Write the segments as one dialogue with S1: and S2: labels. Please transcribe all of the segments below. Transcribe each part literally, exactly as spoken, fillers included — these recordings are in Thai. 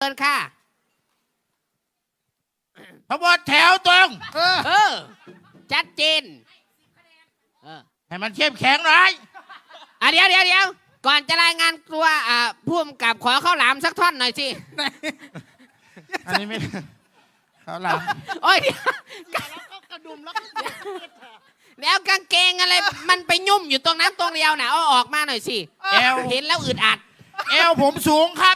S1: เชิญค่ะ
S2: ขบวนแถวตรง
S3: เออ
S1: เออชัดเจนเออ
S2: ให้มันเข้มแข็งหน่อย
S1: อ่ะเดี๋ยวเดี๋ยวเดี๋ยวก่อนจะรายงานตัวอ่าผู้กำกับขอข้าวหลามสักท่อนหน่อยสิ
S2: อันนี้ไม่เขาหลัง
S1: โอ้ยเดี๋ยว
S3: กระดุมแล้ว
S1: เดี๋ยวกางเกงอะไรมันไปยุ่มอยู่ตรงนั้นตรงเดียวนะเอาออกมาหน่อยสิ
S2: เอว
S1: เห็นแล้วอึดอัด
S2: เอวผมสูงครับ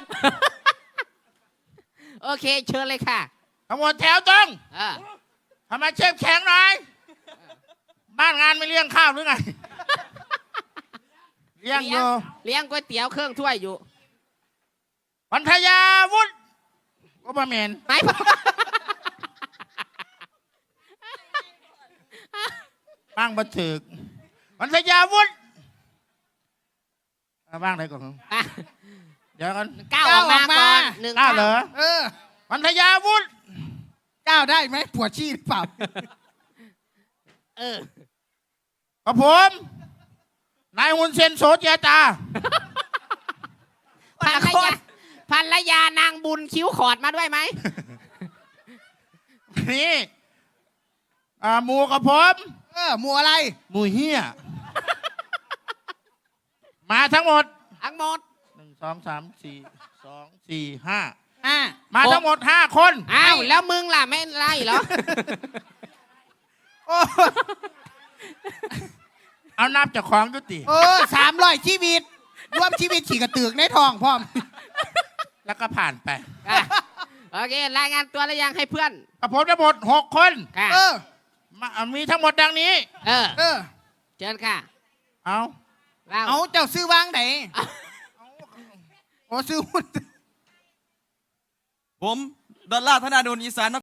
S1: โอเคเชิญเลยค่ะ
S2: ขบวนแถวตรง
S1: เออ
S2: ทำไมเข้มแข็งหน่อยบ้านงานไม่เลี้ยงข้าวหรือไงเลี้ยงอยู่
S1: เลี้ยงก๋วยเตี๋ยวเครื่องถ้วยอยู่
S2: พันธยาวุฒิก็บะเมน
S1: ไหน
S2: บ้างบันถึกพันธยาวุฒิเอาบ้างไหนก่อน
S1: อ่ะ
S2: เดี๋ยวกัน
S1: ก้าวออกมาก่อนหนึ่ง
S2: ก้าวเหรอ
S3: เออ
S2: พันธยาวุฒิ
S3: ก้าวได้ไหมปวดชี้หรือเปล่า
S1: เออ
S2: กับผมนายฮุนเซนโสเจตา
S1: ภรรยาภรรยานางบุญคิ้วขอดมาด้วยไหม
S2: นี่อ่าหมูกับผม
S3: เออหมัวอะไร
S2: หมูเฮียมาทั้งหมด
S1: ทั้งหมด
S2: หนึ่งสองสามสี่สองสี่ห้า
S3: อ่า
S2: มาทั้งหมดห้าคน
S1: อ้าวแล้วมึงล่ะไม่ไล่เหรอ
S3: โอ้
S2: เอานับจากของยุติ
S3: เออสามร้อยชีวิต รวมชีวิตขี่กระตือกในทองพร้อม
S2: แล้วก็ผ่านไป
S1: อ่ะโอเครายงานตัวแล้วยังให้เพื่อน
S2: กับผมทั้งหมดหกคน
S1: ค่ะ
S3: เออ
S2: มามีทั้งหมดดังนี้
S1: เออ
S3: เออ
S1: เชิญค่ะ
S2: เอา
S1: เรา
S3: เอาเจ้าซื้อวางไหนโอ้ซื้อหุ้น
S4: ผมดอลลาร์ธนาดลอีสาน